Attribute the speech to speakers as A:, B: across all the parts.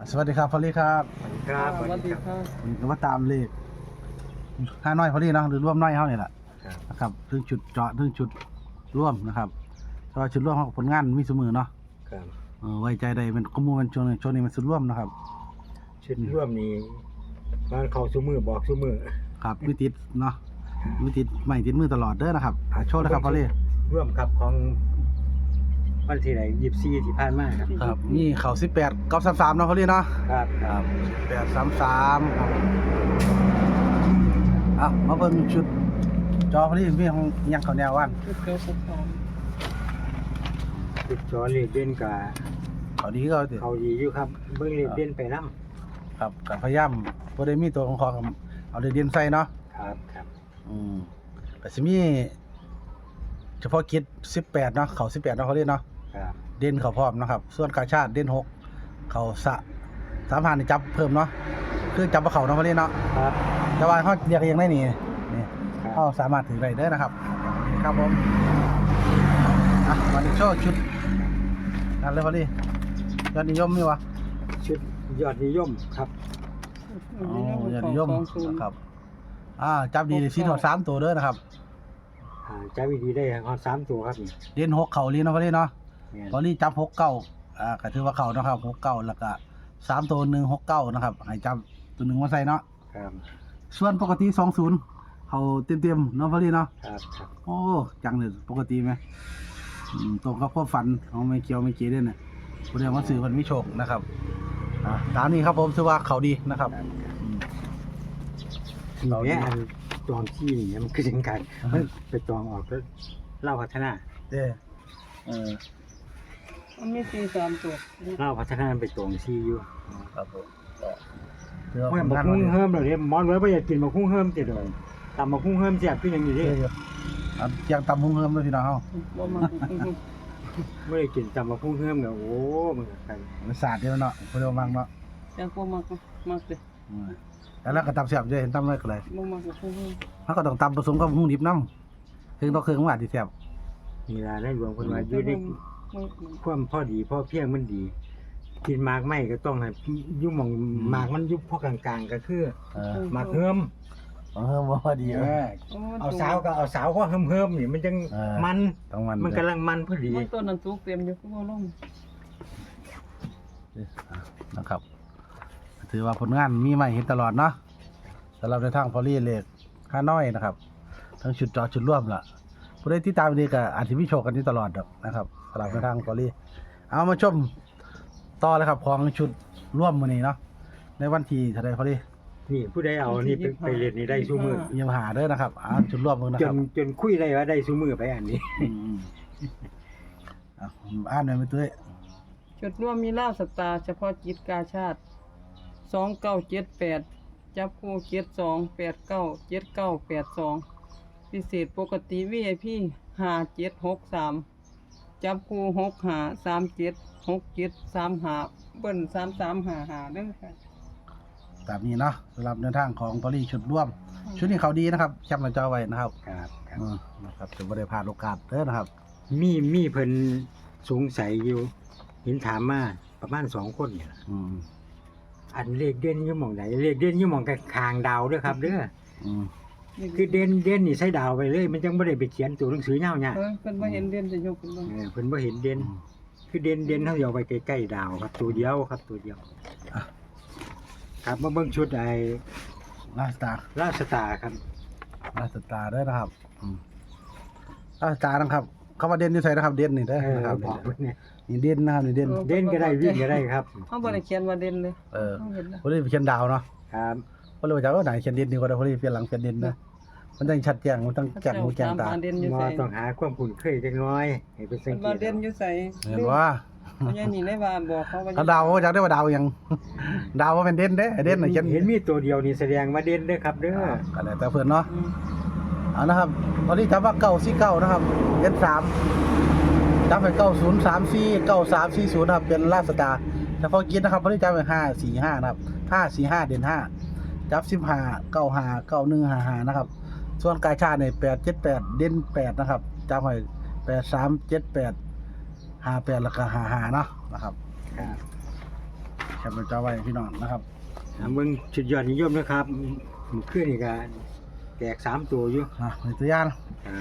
A: สวัสดีครับพอลลี่ครับ
B: ครับ
C: สวัสดีครับ
A: ผมก็มาตามเลขห้าน้อยพอลลี่เนาะหรือร่วมน้อยเฮานี่แหละนะครับถึงจุดเจาะถึงจุดร่วมนะครับเพราะว่าจุดร่วมของผลงานมีเสมอเนาะ
B: ครับ
A: ไว้ใจได้เป็นข้อมูลมันช่วงนี้มันสุดร่วมนะครับ
B: ชุดร่วมนี้บ้านเขาซุมือบอกซุมือ
A: ครับวิติดเนาะวิติดไม่ติดมือตลอดเด้อนะครับโชว์เลยครับพอลลี่
B: ร่วมครับของวันที่ไหน24ที่ผ่านมาครับ
A: ครับนี่เขา18 933เนาะพอลลี่เนาะ
B: ครับค
A: ค
B: รั
A: รั
B: บบ
A: 833ครับมาเบิ่งชุดจอพอลลี่มีของยังเขาแนวว่าน
C: ชุดเก้าสิบสาม
B: ชุดจอเลขเด่นกับ
A: เขาดีก็ติ
B: เขาดีอยู่ครับเบิ่งเลขเด่นไปนํ
A: ครับกับพยายามบ่ได้มีตัวของเขาเอาเด่นใส่เนาะ
B: ครับครับ
A: ก็สิมีเฉพาะกิจ18เนาะเขา18เนาะเขาเรียกเนาะ
B: ครับ
A: เด่นเขาพร้อมนะครับส่วนกาชาติเด่น6เขา35นี่จับเพิ่มเนาะคือจับบ่เขาเนาะเขาเรียกเนาะ
B: ครับ
A: แต่ว่าเฮาเรียกเองได้นี่
B: ครับ
A: เฮาสามารถถือได้เด้อนะครับครับผมวันนี้โชว์ชุดนั่นเลยพอดียอดนิยมมีวะ
B: ชุดยอดนิยมครับ
A: ยอดนิยมนะครับจับดีเลยสิถอด3ตัวเด้อนะครับ
B: ใจวิธีได้ฮอด3ตัวครับนี่
A: เด่น6เขาลีเนาะพอดีเนาะ
B: แม่น
A: ตอนนี้จับ6 9ก็ถือว่าเขานะครับ6 9แล้วก็3ตัว1 6 9นะครับให้จับตัว1มาใส่เนาะ
B: ครับ
A: ส่วนปกติ20เขาเต็มๆเนาะพอดีเนาะ
B: ครับครับ
A: โอ้จังเลยปกติไหมตรงกับความฝันของไม่เกี่ยวไม่เกี่ยวเด้น่ะผู้ใดมาซื้อเพิ่นมีโชคนะครับตามนี้ครับผมถือว่าเขาดีนะครับ
B: เราเนี่ยอันจองที่นี่มันคือจังไงมันไปจองออกแล้วเล่าพัฒนา
A: เด้
C: มันมีสี่สามตัว
B: เล่าพัฒนามันไปจองที่อยู่
A: ครับผมถือว่า
B: ไม่
A: ผล
B: บอก
A: งาน
B: คุ้ง
A: ดี
B: เฮิมเลยมอนไว้ไม่อยากกินบอกคุ้งเฮิมติดเลยตำบอกคุ้งเฮิมเสียบขึ้นอย่างนี้ดิ
A: ยังตำหุ้งเฮิมเลยพี่น้องเฮา
C: บ่มา
B: ไม่ได้กินตำบอกคุ้งเฮิมเนี่ยโอ้มันกัน
A: มันสาดเด้อเนาะเพิ่นเอามังเนาะ
C: ยังบ่มากมากเลย
A: แต่แล้วก็ตำเสียบจะเห็นตำเลยก็เลย
C: บ่มากกับผู้หญิง
A: เฮาก็ต้องตำผสมกับหุ้งดิบน้ำถึงต้องเครื่องว่าที่แซ่บ
B: นี่ล่ะได้หลวงคนว่าอยู่ในความพอดีพอเพียงมันดี กินหมากไม่ก็ต้องให้ยุ่หมองหมากมันยุบพอกลางๆก็คือหมากเฮิม
A: เฮิมบ่ดี
B: เอาสาวก็เอาสาวเพราะเฮิมๆนี่มันจังมัน
A: ต้องมัน
B: มันกำลังมันพอดี
C: มันตัวนั้นสุกเต็มอยู่คือบ่ลง
A: นะครับถือว่าผลงานมีใหม่เห็นตลอดเนาะสำหรับในทางพอลี่เลขค่าน้อยนะครับ ทั้งชุดจอชุดร่วมล่ะผู้ใดที่ตามดีก็อาจจะมีโชคกันนี้ตลอดดอกนะครับสำหรับในทางพอลี่เอามาชมต่อเลยครับของชุดร่วมมื้อนี้เนาะในวันที่เท่าใดพอลี่
B: นี่ผู้ใดเอานี่ไปเรียนนี่ได้ซูมือ
A: ยังหาเด้อนะครับชุดร่วมมื้อนะ
B: จ
A: ครับ
B: จนคุยได้ว่าได้ซูมือไปอันนี้
A: ผมอ่านหน่อยไม่ตุ้ย
C: จุดร่วมมีลาวสตาร์เฉพาะกิจกาชาติ2978จับคู่72897982พิเศษปกติ VIP 5763จับคู่65376735เบิ้ล3355เด้อค่ะ
A: ตามนี้เนาะสำหรับในทางของพอลี่ชุดร่วม ชุดนี้เขาดีนะครับแคปหน้าจอไว้นะครับ
B: ครับครับ
A: นะครับจะไม่ได้พลาดโอกาสเด้อนะครับ
B: มีเพิ่นสงสัยอยู่เห็นถามมาประมาณ2คนนี่ล่ะ
A: อืม
B: อันเลขเด่นอยู่หม่องไหนเลขเด่นอยู่หม่องคางดาวเด้อครับเด้อ
A: อืม
B: คือเด่นนี่ใส่ดาวไปเลย มันจังบ่ได้ไปเขียนตัวหนังสือยาวเนี่ย
C: เพิ่นบ่เห็นเด่นจะยกขึ้นบ่
B: เพิ่นบ่เห็นเด่นคือเด่นเฮาเอาไปใกล้ๆดาวครับตัวเดียวครับตัวเดียวครับมาเบิ่งชุดไอ้
A: ลาสตาร์
B: ราชสตาร์ครับ
A: ลาสตาร์เด้อนะครับลาสตาร์นะครับคำว่าเด่นอยู่ใส่นะครับเด่นนี่เด้อนะครับ
B: บอกเพิ่นเนี่ย
A: นี่เด่นนะครับนี่เด่น
B: เด่นก็ได้วิ่งก็ได้ครับ
C: เฮาบ่ได้เขียนว่าเด่นเลย
A: เออ
C: เฮาเห็นแล้ว
A: พอลี่เขียนดาวเนาะ
B: ครับ
A: พอลี่ว่าจะว่าไหนเขียนเด่นดีกว่าพอลี่เปลี่ยนหลังเขียนเด่นนะมันต้องชัดแจ้งมันต้องแจ้งหูแจ้งตา
C: เด่นอยู่
B: มอ
C: ไส
B: ต้องหาความคุ้นเคยจักหน้อยให้เป็นสั
C: เพิ่
B: ง
C: น
B: เก
C: ว่า
B: ต
C: เด่นอยู่ไส
A: เห็นว่า
C: เพราะอย่างนี้ได้ว่าบอกเขาว่า
A: ถ้าดาวว่าจะได้ว่าดาวยังดาวว่าเป็นเด่นเด้เด่นน่ะเขียน
B: เห็นมีตัวเดียวนี่แสดงว่าเด่นเด้อครับเด้อ
A: ก็แล้วแต่เพิ่นเนาะเอานะครับตอนนี้จับว่า949นะครับเด่น3จับไป9034 9340นะครับเป็นลาสตาร์เฉพาะกิจนะครับพอลี่จับไป545นะครับ545เด่น5จับ15 95 9155นะครับส่วนกายชาติเนี่ย878เด่น8นะครับจับไป83 78 58แล้วก็55เนาะนะครับ
B: ครับ
A: แคปหน้าจอไว้พี่น้องนะครับ
B: เบิ่งชุดยอดนิยมนะครับมื้อคืนนี่ก็แตก3ตัวอยู่
A: ในตัวอย่าง
B: ครับ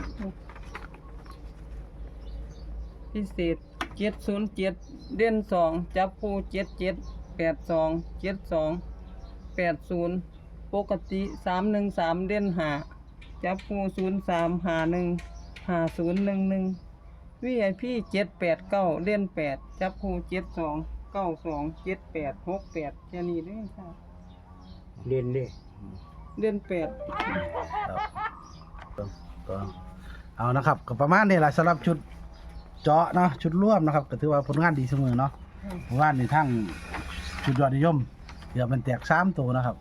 C: พิเศษ707เด่น2จับคู่77 82 72 80ปกติ313เด่น5จับคู่03 51 5011 VIP 789เด่น8จับคู่72 92 78 68แค่นี้เด้อค่ะ
B: เด่นเด้
C: เด่น8
A: ก็เอานะครับก็ประมาณนี้แหละสำหรับชุดเจาะเนาะชุดร่วมนะครับก็ถือว่าผลงานดีเสมอเนาะผลงานในทั้งชุดยอดนิยมเดี๋ยวมันแตก3ตัวนะครับ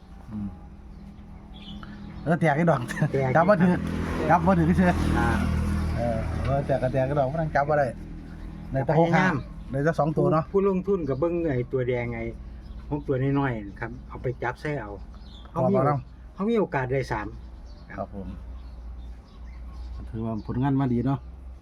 A: แล้วแตกไอ้ดอกจับบ่ถือจับบ่ถือคือ
B: อ่า
A: แตกก็แตกก็ดอกบ่ต้องจับบ่ได้ในตะโคกห้ามในตะ2ตัวเนาะ
B: ผู้ลงทุนก็เบิ่งไอ้ตัวแดงไอ้พวกตัวน้อยๆนะครับเอาไปจับใส่เอาเขามีโอกาสได้3
A: ครับผมถือว่าผลงานมาดีเนาะ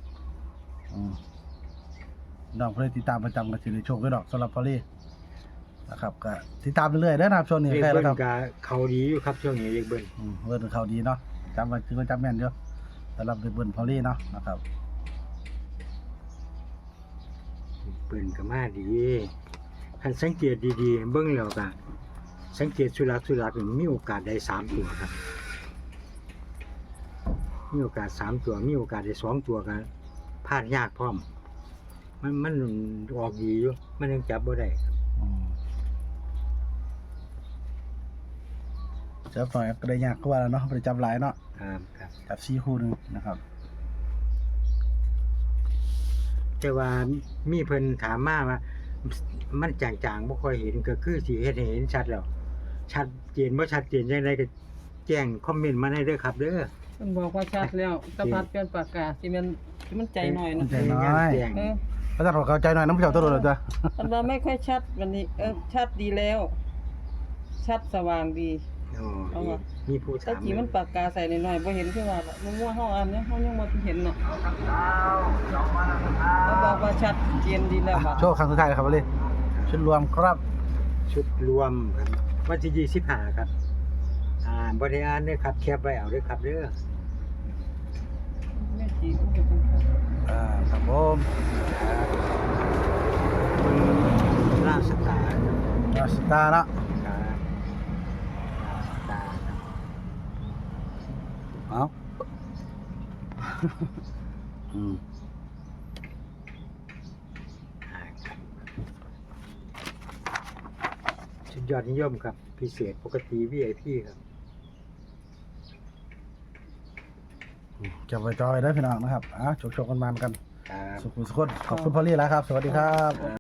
A: น้องเพื่อติดตามประจำกันสิได้โชคด้วยดอกสำหรับพอลี่นะครับก็ติดตามเรื่อยๆนะครับช่วงนี้
B: เรียก
A: ใกล้
B: เบิ้
A: แล้ว
B: ล
A: ครับ
B: ก็เขาดีอยู่ครับช่วงนี้เรียกเบิ้ล
A: เวิร์นเขาดีเนาะจำไว้ถือว่าจำแม่นเยอะสำหรับเบิร์นพอลี่เนาะนะครับ
B: เบิ้ลก็มาดีคันสังเกตดีๆเบิ้งแล้วก็สังเกตสุรักษ์มีโอกาสได้3ตัวครับมีโอกาส3ตัวมีโอกาสได้2ตัวกันพลาดยากพร้อมมันออกดีอยู่มันยังจับบ่ได้ครับ
A: เจ้าฝ่ายก็ได้ยากกว่าแล้วเนาะไปจับหลายเนาะ
B: ครับ
A: จับ4คู่หนึงนะครับ
B: แต่ว่ามีเพิ่นถามมาว่ามันจางๆบ่ค่อยเห็นก็คือสิเฮ็ดให้เห็นชัดแล้วชัดเจนบ่ชัดเจนจังไดก็แจ้งคอมเมนต์มาได้เด้อครับเด้อ
C: มันบอกว่าชัดแล้วตะพัดเปลี่ยนปากกาสิมันใจหน่อยเนาะ
A: ใจน้อย
B: แจ้ง
C: เออ
A: พระเจ้าเข้าใจหน่อยน้ำเจ้าตัวโดดจ้ะ
C: อันว่าไม่ค่อยชัดวันนี้ชัดดีแล้ว ชัดสว่างดี
B: อ๋อ
C: เอาว่ะ
B: มีผู้
C: ถ้า
B: ถาม
C: จีมันปากกาใส่หน่อยๆบ่เห็นคือว่าล่ะมันว่าเฮาอ่านเนี่ยเฮายังบ่เห็นเนาะเขาบอกว่าชัดเจนดีแล้วบัด
A: โชคครั้งสุดท้ายเลยครับพอลี่ชุดรวมครับ
B: ชุดรวมครับวันที่25ครับบ่ได้อ่านเด้อครับแคปไว้เอาเด้อครับเด้อ
C: แม่จีมันก็เป็นครับ
A: ครับผม
B: ราชสตาร์
A: ราสตาร์เนาะ
B: ครับราชสตาร์ครับ
A: เอาอืม
B: ครับชุดยอดนิยมครับพิเศษปกติ VIP ครับ
A: จะไปจอยได้พี่น้องนะครับโชคๆกันมันกัน
B: ครับ
A: สุขุมสุขคนขอบคุณพอลี่แล้วครับ สวัสดีครับ